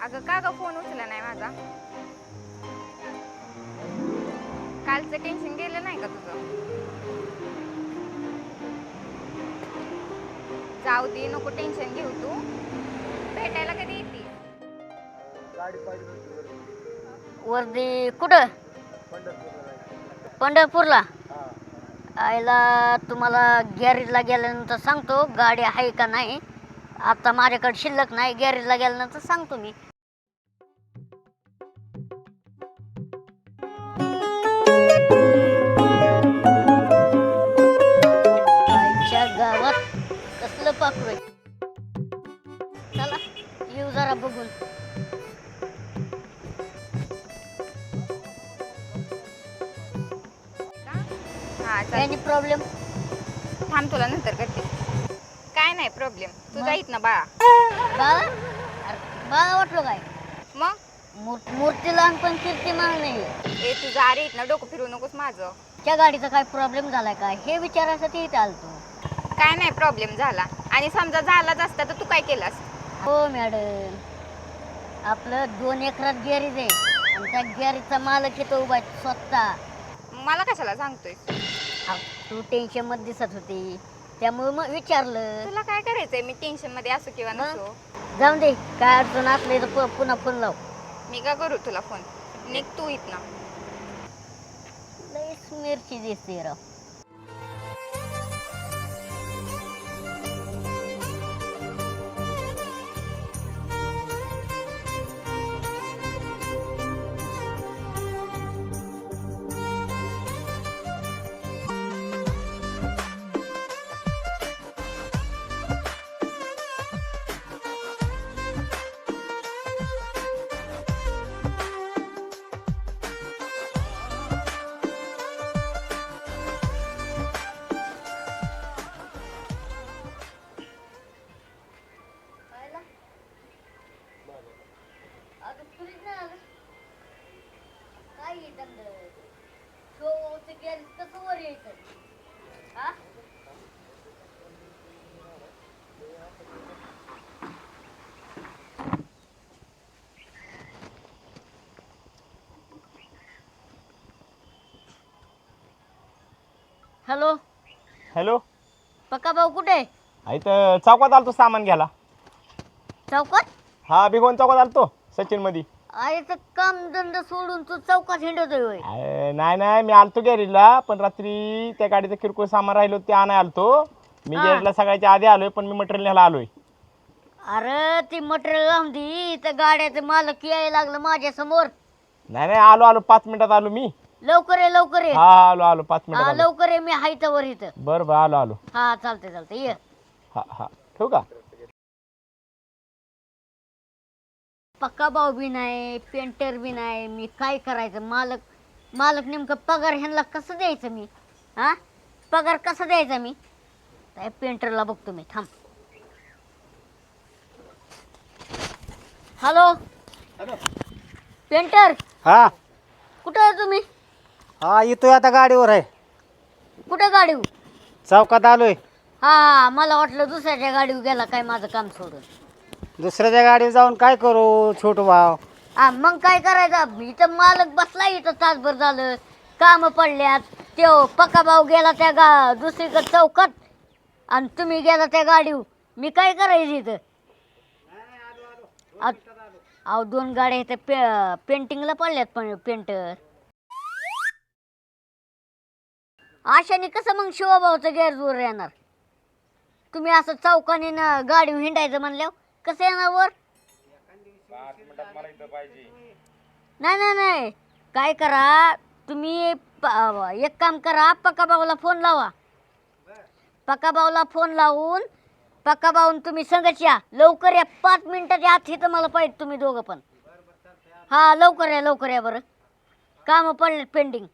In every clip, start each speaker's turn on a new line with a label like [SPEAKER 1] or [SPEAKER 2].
[SPEAKER 1] अगं का ग फोन उचलला नाही माझा? कालचं टेन्शन गेलं नाही का तुझं? जाऊ दे, नको टेन्शन घेऊ. तू भेटायला कधी येते?
[SPEAKER 2] गाडी पाहिजे होती
[SPEAKER 3] वर्दी कुठं? पंढरपूरला. आईला तुम्हाला गॅरेजला गेल्यानंतर सांगतो गाडी आहे का नाही. आता माझ्याकडे शिल्लक नाही, गॅरेजला गेल्यानंतर सांगतो मी. आईच्या गावात कसलं पाखरू आहे. चला येऊ जरा बघून.
[SPEAKER 1] हा चल.
[SPEAKER 3] Any problem?
[SPEAKER 1] थांब, तुला नंतर करते. काय नाही प्रॉब्लेम, तू जाईत ना बाळा.
[SPEAKER 3] बाळा? अरे बाळा वाटलं काय?
[SPEAKER 1] मग
[SPEAKER 3] मूर्ती लहान पण कीर्ती मान नाही.
[SPEAKER 1] ए तू जा रे इथनं, डोकं फिरू नकोस माझं.
[SPEAKER 3] त्या गाडीचा काय प्रॉब्लेम झालाय काय हे विचारायसाठी इथे आलतो.
[SPEAKER 1] काय नाही प्रॉब्लेम झाला, आणि समजा झालाच असता तर तू काय केलास?
[SPEAKER 3] हो मॅडम, आपलं 2 एकरात गॅरेज आहे आणि त्या गॅरेजचा मालक येतो उभा स्वतः.
[SPEAKER 1] मला कशाला सांगतोय?
[SPEAKER 3] तू टेन्शन मध्ये दिसत होती त्यामुळे मग विचारलं.
[SPEAKER 1] तुला काय करायचंय? मी टेन्शन मध्ये असो किंवा नसो.
[SPEAKER 3] जाऊन दे, काय अडचण असले तर पुन्हा फोन लाव.
[SPEAKER 1] मी का करू तुला फोन? निघ तू इथनं.
[SPEAKER 3] लईच मिरची दिसते राव. Hello
[SPEAKER 2] hello.
[SPEAKER 3] पक्का भाऊ कुठे आहे?
[SPEAKER 2] इथं चौकात आलतो सामान घ्यायला.
[SPEAKER 3] चौकात?
[SPEAKER 2] हा भिगवण चौकात आलतो सचिन मध्ये.
[SPEAKER 3] आईचं काम धंदा सोडून तू चौकात हिंडतोय होय?
[SPEAKER 2] नाही नाही, मी आलतो गॅरेजला, पण रात्री त्या गाडीचं किरकोळ सामान राहिलो ते आणाय आलतो. मी गॅरेजला सगळ्याच्या आधी आलोय, पण मी मटेरियल न्यायला आलोय.
[SPEAKER 3] अरे ती मटेरियल लावून दे, त्या गाड्याचं मालक यायला लागलं माझ्या समोर.
[SPEAKER 2] नाही नाही, आलो 5 मिनिटात आलो मी.
[SPEAKER 3] लवकर ये लवकर ये.
[SPEAKER 2] हा आलो 5
[SPEAKER 3] हा
[SPEAKER 2] मिनिटात.
[SPEAKER 3] लवकर ये, मी हायता वर इथं.
[SPEAKER 2] बरं आलो.
[SPEAKER 3] हा चालते चालते ये.
[SPEAKER 2] हा ठेवू का?
[SPEAKER 3] पक्का भाऊ बी नाही, पेंटर बी नाही, मी काय करायचं? मालक नेमकं पगार ह्यांना कसं द्यायचं मी? हा पगार कसा द्यायचा मी? काय पेंटरला बघतो मी, थांब. हॅलो पेंटर,
[SPEAKER 4] हा
[SPEAKER 3] कुठं आहे तुम्ही?
[SPEAKER 4] हा येतोय आता, गाडीवर आहे.
[SPEAKER 3] कुठं गाडी?
[SPEAKER 4] चौकात आलोय.
[SPEAKER 3] हा मला वाटलं दुसऱ्याच्या गाडीवर गेला काय माझं काम सोडून.
[SPEAKER 4] दुसऱ्याच्या गाडीवर जाऊन काय करू छोटू भाव?
[SPEAKER 3] हा मग काय करायचं? इथं मालक बसला, इथं तासभर झालं, काम पडल्यात. त्यो पक्का भाऊ गेला त्या दुसरीकडे चौकात, आणि तुम्ही गेला त्या गाडीवर. मी काय करायचं इथं? अहो 2 गाड्या इथं पेंटिंगला पडल्यात, पण पेंटर आशाने कसं मग शिवभाऊचं गॅरेजवर येणार? तुम्ही असं चौकाने ना गाडीवर हिंडायचं म्हणल्यावर कसं येणार वर? नाही, काय करा तुम्ही, एक काम करा, पक्का भाऊला फोन लावा. पक्का भाऊला फोन लावून पक्का भाऊन तुम्ही संगच या. लवकर या, 5 मिनिटाच्या आत इथं मला पाहिजे तुम्ही दोघं पण. हा लवकर या बरं, काम पडले पेंडिंग.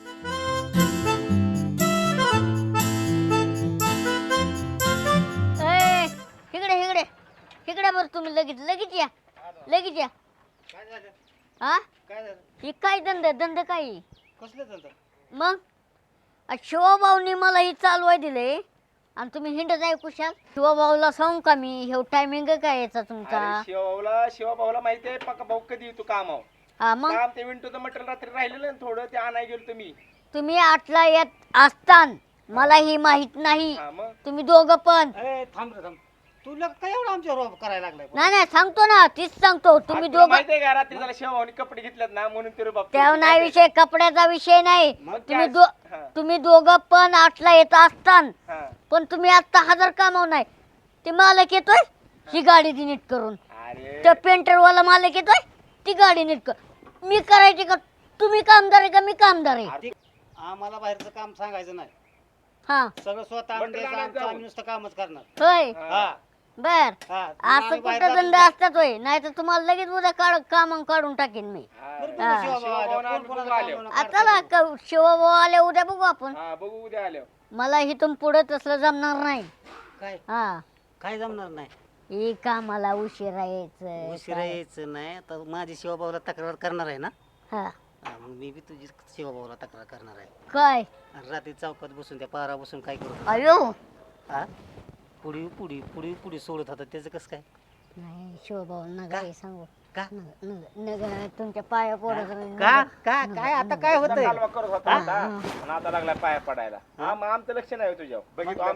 [SPEAKER 3] इकडे बरं, तुम्ही लगेच या. हा ही काय धंदा काय? मग शिवभाऊनी मला ही चालवाय दिले, आणि तुम्ही हिंडत आहे कुशाल. शिवभाऊला सांगू का मी हे टायमिंग काय याचा तुमचा?
[SPEAKER 2] शिवभाऊला माहिती आहे पक्का भाऊ कधी येतो कामावर.
[SPEAKER 3] हा मग
[SPEAKER 2] काम ते विंटूचं मटेरियल रात्री राहिलेलं ना थोडं ते आणाय गेलो तुम्ही.
[SPEAKER 3] तुम्ही 8ला येत असतान मला ही माहित नाही.
[SPEAKER 2] हा मग
[SPEAKER 3] तुम्ही दोघं पण.
[SPEAKER 4] ए थांब रे थांब. तुला काय एवढं आमच्यावर करायला लागलाय?
[SPEAKER 3] नाही नाही सांगतो ना, तीच सांगतो. तुम्ही
[SPEAKER 2] तुला
[SPEAKER 3] दोघं
[SPEAKER 2] माहिती आहे का रात्री त्याला शिवभाऊनी कपडे घेतलेत ना म्हणून ते बाप
[SPEAKER 3] त्या नाही विषय, कपड्याचा विषय नाही.
[SPEAKER 2] मग
[SPEAKER 3] तुम्ही
[SPEAKER 2] काय? हा.
[SPEAKER 3] तुम्ही दोघं पण 8ला येत असतान,
[SPEAKER 2] हा.
[SPEAKER 3] पण तुम्ही आता 1000 कामाव नाही. ते मालक येतोय ही गाडी ती नीट करून,
[SPEAKER 2] अरे
[SPEAKER 3] त्या पेंटरवाला मालक येतोय ती गाडी नीट कर. मी करायची का? तुम्ही कामदार आहे का मी कामदार आहे?
[SPEAKER 4] आधी आम्हाला बाहेरचं काम सांगायचं नाही.
[SPEAKER 3] हा
[SPEAKER 4] सगळं स्वतः आणून
[SPEAKER 2] बंडल
[SPEAKER 4] द्यायचं,
[SPEAKER 2] आणायचं
[SPEAKER 4] आमचं
[SPEAKER 2] जाऊन.
[SPEAKER 4] आम्ही नुसतं कामच करणार.
[SPEAKER 3] होय
[SPEAKER 4] हा
[SPEAKER 3] बर.
[SPEAKER 4] हा
[SPEAKER 3] असं
[SPEAKER 4] आम्ही बाहेर
[SPEAKER 3] कुठं
[SPEAKER 4] जातच
[SPEAKER 3] धंदे
[SPEAKER 4] नाही.
[SPEAKER 3] असतात होय? नाही तर तुम्हाला लगेच उद्या काम काढून टाकेन मी.
[SPEAKER 4] बरं बघू
[SPEAKER 3] हा.
[SPEAKER 4] शिवभाऊ आले,
[SPEAKER 2] शिवभाऊ
[SPEAKER 4] कोण कोणाला
[SPEAKER 2] आले.
[SPEAKER 4] काम
[SPEAKER 3] आता ना शिवभाऊ आले उद्या बघू आपण.
[SPEAKER 2] हा बघू उद्या आल्यावर.
[SPEAKER 3] मला इथून पुढे तसलं जमणार नाही.
[SPEAKER 4] काय
[SPEAKER 3] हा
[SPEAKER 4] काय जमणार नाही.
[SPEAKER 3] हे कामाला उशिरा यायचं.
[SPEAKER 4] उशिरा यायचं नाही. आता माझी शिवभाऊला तक्रार करणार आहे ना.
[SPEAKER 3] हा
[SPEAKER 4] हा, मग मी बी तुझी शिवभाऊला तक्रार करणार आहे.
[SPEAKER 3] काय?
[SPEAKER 4] आणि रात्री चौकात बसून त्या पारा बसून काय करू?
[SPEAKER 3] अयो
[SPEAKER 4] हा पुढी पुढी पुढी पुढी सोडत होता त्याचं कसं काय?
[SPEAKER 3] नाही शिवभाऊ नका हे सांगू.
[SPEAKER 4] का
[SPEAKER 3] नग तुमच्या पाया पडत
[SPEAKER 4] का का काय आता काय होतंय?
[SPEAKER 2] कालवा करत होता आता आणि आता लागला पाया पडायला. हा मग आमचं लक्ष नाही हो तुझ्यावर.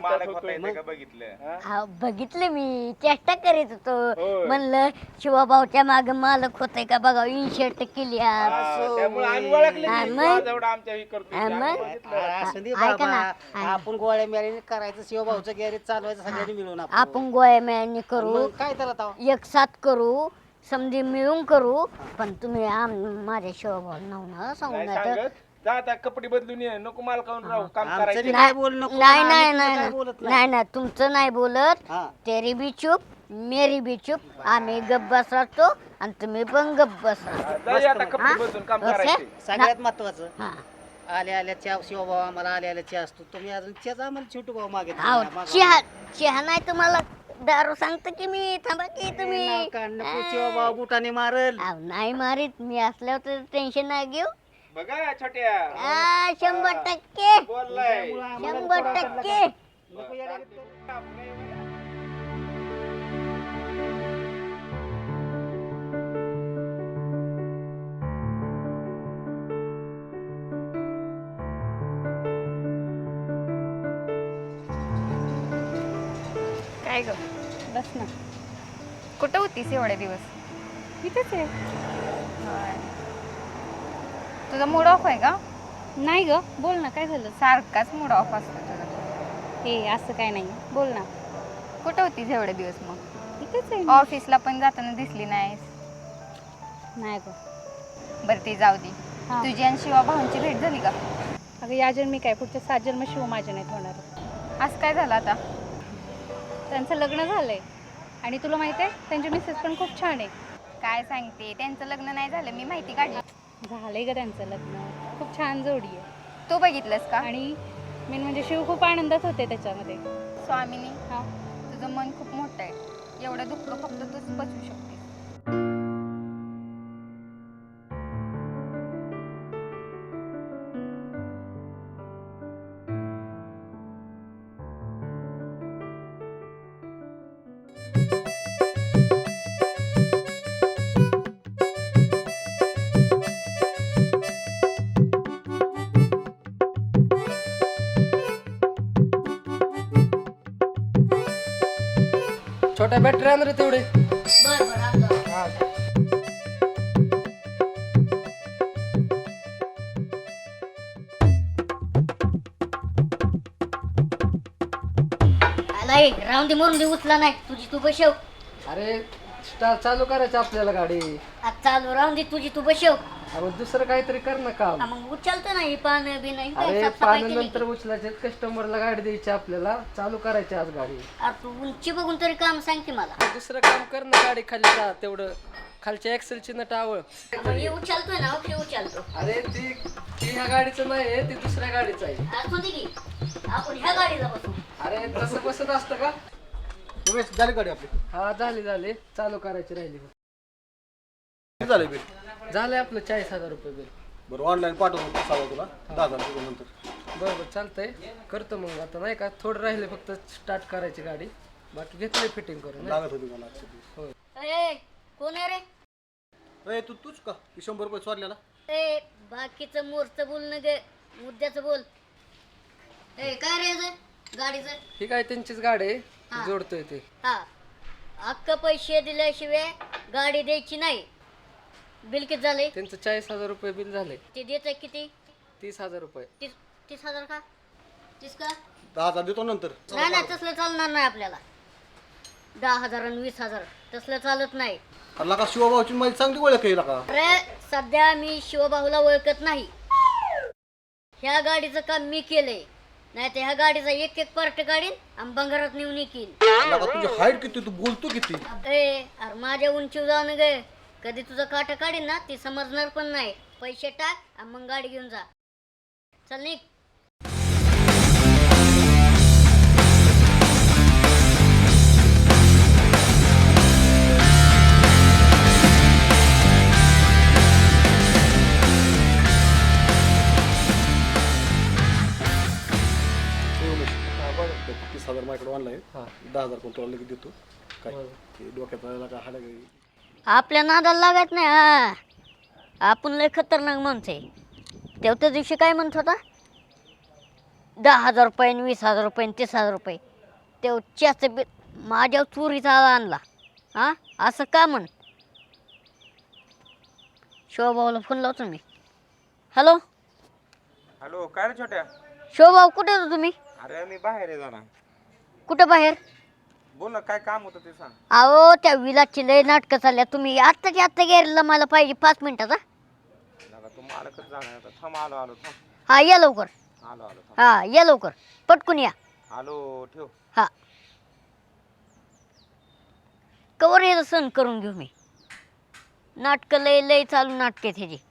[SPEAKER 2] बघितलं
[SPEAKER 3] बघितले मी, चेष्टा करीत होतो.
[SPEAKER 2] होय.
[SPEAKER 3] म्हणलं शिवभाऊच्या माग मालक होतय का बघा, इन्शर्ट केली आज.
[SPEAKER 2] त्यामुळे आम्ही ओळखले
[SPEAKER 3] हा,
[SPEAKER 2] की
[SPEAKER 3] मग?
[SPEAKER 2] जेवढं आमच्या हे करतो
[SPEAKER 3] हा,
[SPEAKER 2] ते
[SPEAKER 3] मग?
[SPEAKER 2] आम्ही बघितलं.
[SPEAKER 4] असं दे
[SPEAKER 3] ऐका
[SPEAKER 4] बाबा,
[SPEAKER 3] ना.
[SPEAKER 4] आपण गोळ्या मिळाल्याने करायचं, शिवभाऊचं गॅरेज चालवायचं सगळ्यांनी मिळून
[SPEAKER 3] आपण गोळ्या मेळणी करू,
[SPEAKER 4] मग काय त्याला ताव?
[SPEAKER 3] एक साथ करू, समधी मिळून करू. पण तुम्ही माझ्या शिवभाऊ नाव सांगू
[SPEAKER 2] नाही
[SPEAKER 3] नाही तर.
[SPEAKER 2] सांगत. जा आता कपडे बदलून ये. नको माल खाऊन राहू काम
[SPEAKER 4] आमचं
[SPEAKER 2] करायचं.
[SPEAKER 4] बी काय बोल नको.
[SPEAKER 3] नाही
[SPEAKER 4] आम्ही
[SPEAKER 3] नाही
[SPEAKER 4] तुझं
[SPEAKER 3] नाही
[SPEAKER 4] काय
[SPEAKER 3] नाही.
[SPEAKER 4] बोलत
[SPEAKER 3] नाही नाही तुमचं नाही बोलत.
[SPEAKER 4] हा
[SPEAKER 3] तेरी बी चूप मेरी बी चूप. आम्ही गप्प बसतो आणि तुम्ही पण गप्प बसा.
[SPEAKER 2] जा ये आता कपडे बदलून काम
[SPEAKER 3] ओके?
[SPEAKER 2] करायचे.
[SPEAKER 4] सगळ्यात महत्वाचं
[SPEAKER 3] हा.
[SPEAKER 4] आल्या आल्या चहा शिवभाऊ आम्हाला आल्या आल्या चहा असतो. तुम्ही अजून चहाच आम्हाला छोटू भाऊ मागे
[SPEAKER 3] अहो, चहा नाही तुम्हाला दारू सांगतो की मी. थांबा की तुम्ही.
[SPEAKER 4] शिवभाऊ बुटाने मारल.
[SPEAKER 3] अहो, नाही मारीत मी असल्यावर तर टेन्शन नाही घेऊ.
[SPEAKER 2] बघा छोट्या
[SPEAKER 3] 100%
[SPEAKER 2] बोललाय.
[SPEAKER 3] 100%.
[SPEAKER 1] काय ग?
[SPEAKER 5] बस ना.
[SPEAKER 1] कुठं होतीस एवढे दिवस?
[SPEAKER 5] इथेच आहे.
[SPEAKER 1] होय. तुझा मूड ऑफ आहे का?
[SPEAKER 5] नाही ग, बोल ना, काय झालं?
[SPEAKER 1] सारखाच मूड ऑफ असतो तुझा.
[SPEAKER 5] हे असं काय नाही, बोल ना.
[SPEAKER 1] कुठं होतीस एवढे दिवस मग?
[SPEAKER 5] इथेच आहे.
[SPEAKER 1] ऑफिसला पण जाताना दिसली नाहीस.
[SPEAKER 5] नाही ग.
[SPEAKER 1] बरं ते जाऊ दे.
[SPEAKER 5] हा.
[SPEAKER 1] तुझी आणि शिवा भाऊंची भेट झाली का?
[SPEAKER 5] अगं या जन्मी काय, पुढच्या 7 जन्म शिव माझ्या नाहीत होणार.
[SPEAKER 1] आज काय झालं आता?
[SPEAKER 5] त्यांचं लग्न झालंय आणि तुला माहिती आहे त्यांची मिसेस पण खूप छान आहे.
[SPEAKER 1] काय सांगते, त्यांचं लग्न नाही झालं, मी माहिती काढली.
[SPEAKER 5] झालंय ग त्यांचं लग्न, खूप छान जोडी आहे.
[SPEAKER 1] तू बघितलंस का?
[SPEAKER 5] आणि मेन म्हणजे शिव खूप आनंदात होते त्याच्यामध्ये.
[SPEAKER 1] स्वामिनी,
[SPEAKER 5] हा.
[SPEAKER 1] तुझं मन खूप मोठं आहे. एवढं दुःख फक्त तूच पचवू शकते.
[SPEAKER 6] छोट्या बॅटरी आण रे तेवढे.
[SPEAKER 3] बरं बरं आणतो. आलाय, राहून दे मरून दे, उचला नाही. तुझी तू बसव.
[SPEAKER 6] अरे स्टार चालू करायची आपल्याला गाडी.
[SPEAKER 3] आज चालू राहून दे, तुझी तू बसव.
[SPEAKER 6] अरे दुसरं काहीतरी कर ना काम.
[SPEAKER 3] मग उचलतो नाही पानं बी नाही.
[SPEAKER 6] अरे
[SPEAKER 3] साफसफाई
[SPEAKER 6] पाणी
[SPEAKER 3] केली.
[SPEAKER 6] नंतर उचलायचे, कस्टमरला गाडी द्यायची आपल्याला, चालू करायची आज गाडी.
[SPEAKER 3] अरे तू उंची बघून तरी काम सांग की मला.
[SPEAKER 6] दुसरं काम कर ना, गाडी खाली जा तेवढं, खालच्या एक्सेलची नट आवळ.
[SPEAKER 3] मग हे उचलतोय ना, ओके उचलतो.
[SPEAKER 6] अरे ती ह्या गाडीचं नाही, ती दुसऱ्या गाडीचं आहे.
[SPEAKER 3] असू दे की आपण ह्या गाडीला बसू.
[SPEAKER 6] अरे तसं बसत असतं का?
[SPEAKER 7] झाली गाडी आपली
[SPEAKER 6] हा झाली, चालू करायची राहिली.
[SPEAKER 7] किती झालं बिल?
[SPEAKER 6] झालंय आपलं 40,000 रुपये बिल.
[SPEAKER 7] बरं ऑनलाईन पाठवून सांगा तुला 10,000 रुपये नंतर.
[SPEAKER 6] बरं बरं चालतंय करतो मग आता नाही का थोडं राहिले फक्त स्टार्ट करायची गाडी बाकी घेतलंय फिटिंग करून नाही?
[SPEAKER 7] लागत होती मला आजच्या दिवस.
[SPEAKER 3] ए कोण आहे रे?
[SPEAKER 7] ए तूच का की 100 रुपये चोरलेला?
[SPEAKER 3] ए बाकीचं मोरचं बोल न गे, मुद्द्याचं बोल. ए काय रे हे गाडीचं?
[SPEAKER 6] ही काय त्यांचीच गाडी आहे
[SPEAKER 3] हा.
[SPEAKER 6] जोडतोय ते
[SPEAKER 3] हा अख्ख पैसे दिल्याशिवाय गाडी द्यायची नाही. बिल किती झाले?
[SPEAKER 6] त्यांचं 40,000 रुपये बिल झाले.
[SPEAKER 3] ते देत आहे किती?
[SPEAKER 6] 30,000 रुपये.
[SPEAKER 3] 30,000 का? 30 का?
[SPEAKER 7] 10,000 देतो नंतर.
[SPEAKER 3] नाही नाही तसलं चालणार नाही आपल्याला. 10,000 आणि 20,000 तसलं चालत नाही.
[SPEAKER 7] अरे का शिवभाऊची माझी चांगली ओळख आहे का?
[SPEAKER 3] अरे सध्या मी शिवबाहूला ओळखत नाही. ह्या गाडीचं काम मी केलंय. नाही तर ह्या गाडीचा एक एक पार्ट काढीन आणि बंगारात नेऊन येईन.
[SPEAKER 7] तुझी हाईट किती, तू बोलतो किती?
[SPEAKER 3] अरे माझ्या उंचीवर जाऊन गे, कधी तुझं काटा काढीन ना ती समजणार पण नाही. पैसे टाक आणि मग गाडी घेऊन जा. चल निघ.
[SPEAKER 7] ए उमेश, 30,000 माझ्याकडे ऑनलाईन.
[SPEAKER 6] हा.
[SPEAKER 7] 10,000 कोण तुला लगेच देतो. काय ते डोक्यात आलेला का हाडा काही.
[SPEAKER 3] आपल्या नादाला लागत नाही. हा आपण लय खतरनाक माणसं आहे. तेव्हा त्या दिवशी काय म्हणत होता? 10,000 रुपये 20,000 रुपये 30,000 रुपये तेवढ्याचं बिल माझ्या चोरीचा आणला. हा असं का म्हण? शिवभाऊला फोन लावतो मी. हॅलो
[SPEAKER 2] हॅलो काय रे छोट्या?
[SPEAKER 3] शिवभाऊ कुठे होतो तुम्ही?
[SPEAKER 2] अरे मी बाहेर आहे जरा.
[SPEAKER 3] कुठं बाहेर?
[SPEAKER 2] बोल ना काय काम होतं ते सांग.
[SPEAKER 3] अहो त्या विलाची लय नाटकं चालल्या. तुम्ही आत्ताच्या आत्ता गेला मला पाहिजे 5 मिनिटाचा.
[SPEAKER 2] तू मालकच जाणार आता. थांब आलो आलो थांब.
[SPEAKER 3] हा या लवकर.
[SPEAKER 2] आलो आलो थांब.
[SPEAKER 3] हा या लवकर पटकून या.
[SPEAKER 2] आलो ठेव.
[SPEAKER 3] हा कवर हे सण करून घेऊ मी. नाटक लय लय चालू नाटक आहेत ह्याची.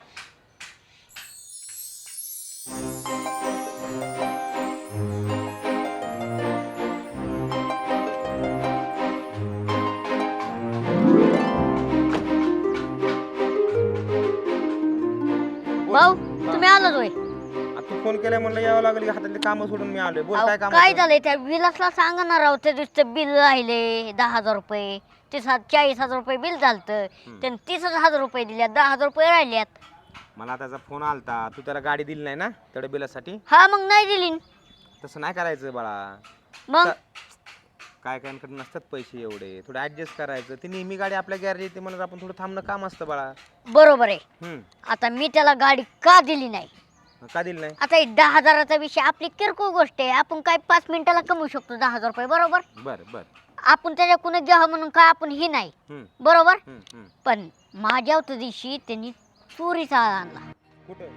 [SPEAKER 3] भाऊ तुम्ही आलाच होय.
[SPEAKER 2] तू फोन केलाय म्हणलं यावं लागेल की हातातले काम सोडून मी आलोय. बोल काय
[SPEAKER 3] अहो,
[SPEAKER 2] काम
[SPEAKER 3] काय
[SPEAKER 2] होतं?
[SPEAKER 3] झालंय त्या विलासला सांगा ना राव. त्या दिवशीचं बिल राहिले 10,000 रुपये. ते 40,000 रुपये बिल झालतं. त्याने 30,000 रुपये दिल्यात. 10,000 रुपये राहिल्यात.
[SPEAKER 2] मला त्याचा फोन आलता. तू त्याला गाडी दिली नाही ना तेवढ्या बिलासाठी.
[SPEAKER 3] हा मग नाही दिली.
[SPEAKER 2] तसं नाही करायचं बाळा.
[SPEAKER 3] मग
[SPEAKER 2] काय काय कडे नसतात पैसे एवढे. थोडं ऍडजस्ट करायचं. ती नेहमी गाडी आपल्या गॅरेज येते म्हणून आपण थोडं थांबणं काम असतं बाळा.
[SPEAKER 3] बरोबर आहे. आता मी त्याला गाडी का दिली नाही?
[SPEAKER 2] का दिली नाही?
[SPEAKER 3] आता 10,000चा विषय आपली किरकोळ गोष्ट आहे. आपण काय 5 मिनिटाला कमवू शकतो 10,000 रुपये. बरोबर.
[SPEAKER 2] बर बर.
[SPEAKER 3] आपण त्याच्याकडून घ्यावं म्हणून काय आपण ही नाही. बरोबर. पण माझ्या त्या दिवशी त्यांनी चोरीचा आणला.
[SPEAKER 2] कुठं?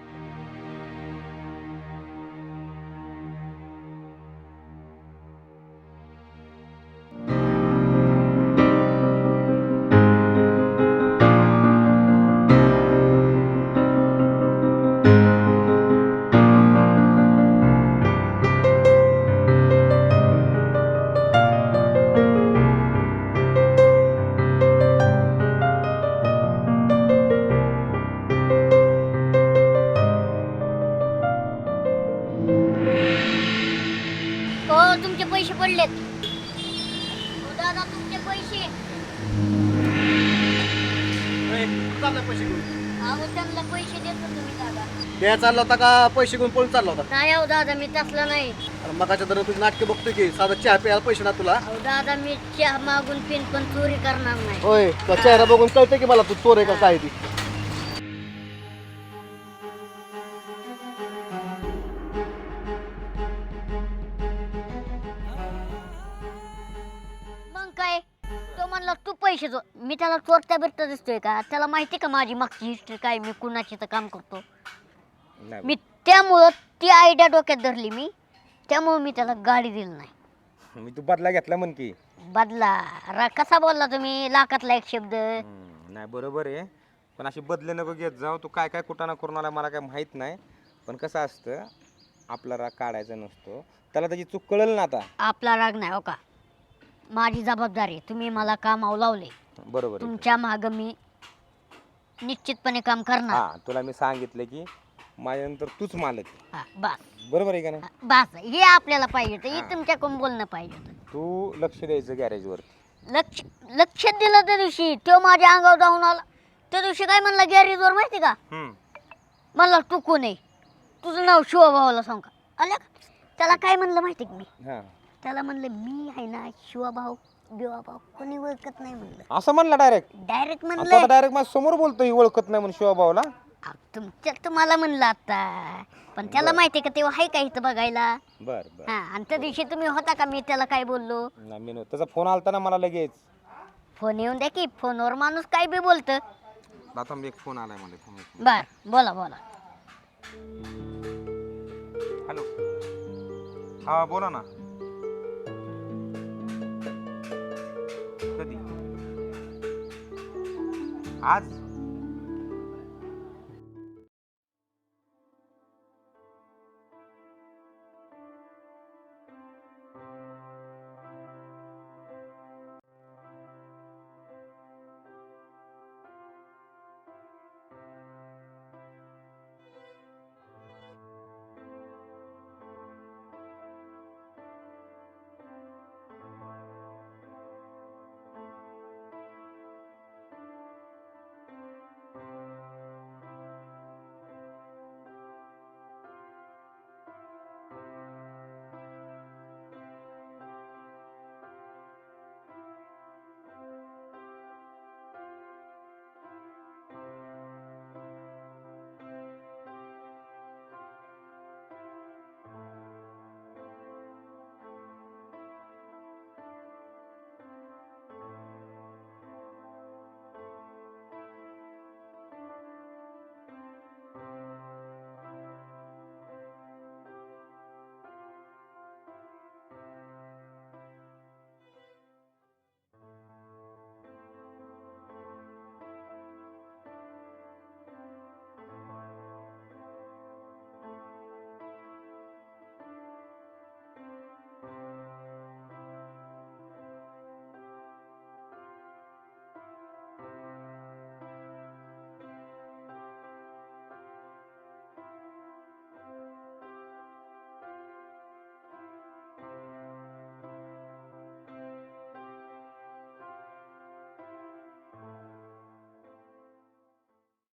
[SPEAKER 3] हो तुमचे पैसे पडलेत. हो दादा तुमचे पैसे.
[SPEAKER 7] चाललाय पैसे घेऊन.
[SPEAKER 3] अहो त्यांना पैसे देतो तुम्ही दादा.
[SPEAKER 7] द्यायला चालला होता का पैसे घेऊन पळून चालला होता?
[SPEAKER 3] नाही अहो दादा मी तसला नाही.
[SPEAKER 7] अरे मगाच्या दर तुझी नाटके बघतोय की साधा चहा प्यायला पैसे ना तुला.
[SPEAKER 3] अहो दादा मी चहा मागून पिन पण चोरी करणार नाही.
[SPEAKER 7] होय तुझा चेहरा बघून कळतंय की मला तू चोर आहे का काय ती.
[SPEAKER 3] मग काय तो म्हणला तू पैसे चोर. मी त्याला चोरता बिरता दिसतोय का? त्याला माहिती का माझी मागची हिस्ट्री काय? मी कुणाची तर काम करतो. मी त्यामुळं ती आयडिया डोक्यात धरली मी. त्यामुळं मी त्याला गाडी दिली नाही.
[SPEAKER 2] मी तू बदला घेतला म्हण की.
[SPEAKER 3] बदला कसा बोलला तुम्ही? लाखातला एक शब्द.
[SPEAKER 2] नाही बरोबर आहे. पण अशी बदले नको घेत जाऊ. तू काय काय कुठं ना करून आला मला काय माहित नाही. पण कसं असतं आपला राग काढायचा नसतो. त्याला त्याची चूक कळेल ना आता.
[SPEAKER 3] आपला राग नाही हो का? माझी जबाबदारी. तुम्ही मला कामावर लावले.
[SPEAKER 2] बरोबर आहे.
[SPEAKER 3] तुमच्या मागं मी निश्चितपणे काम करणार.
[SPEAKER 2] हा तुला मी सांगितलं की माझ्यानंतर तूच मालक आहे.
[SPEAKER 3] हा, बस
[SPEAKER 2] बरोबर आहे का नाही?
[SPEAKER 3] हा, बस हे आपल्याला पाहिजे होतं. हे तुमच्याकडून बोलणं पाहिजे होतं.
[SPEAKER 2] तू लक्ष द्यायचं गॅरेजवर.
[SPEAKER 3] लक्ष लक्ष दिलं त्या दिवशी तो माझ्या अंगावर जाऊन आला. त्या दिवशी काय म्हणला गॅरेजवर माहिती का? म्हणला तू कोण आहे? तुझं नाव शिवभाऊला सांग का? आल्या का? त्याला काय म्हणलं माहिती का मी?
[SPEAKER 2] हा
[SPEAKER 3] त्याला म्हणलं मी आहे ना शिवभाऊ बिवाभाऊ कोणी ओळखत नाही म्हणलं.
[SPEAKER 2] असं म्हणला डायरेक्ट.
[SPEAKER 3] डायरेक्ट
[SPEAKER 2] आता
[SPEAKER 3] म्हणलं
[SPEAKER 2] डायरेक्ट माझ्या समोर बोलतोय ओळखत नाही म्हणून शिवभाऊला.
[SPEAKER 3] तुम्हाला म्हणलं आता पण त्याला माहिती का तेव्हा आहे का इथं बघायला?
[SPEAKER 2] बर बर.
[SPEAKER 3] हा आणि त्या दिवशी तुम्ही होता का? मी त्याला काय बोललो?
[SPEAKER 2] नाही, मी नव्हतं. त्याचा फोन आलता ना मला लगेच.
[SPEAKER 3] फोन येऊन द्या की फोनवर माणूस काय बी बोलतं.
[SPEAKER 2] आता मी एक फोन आलाय मला.
[SPEAKER 3] बर बोला बोला.
[SPEAKER 2] हॅलो. हा बोला ना. कधी? आज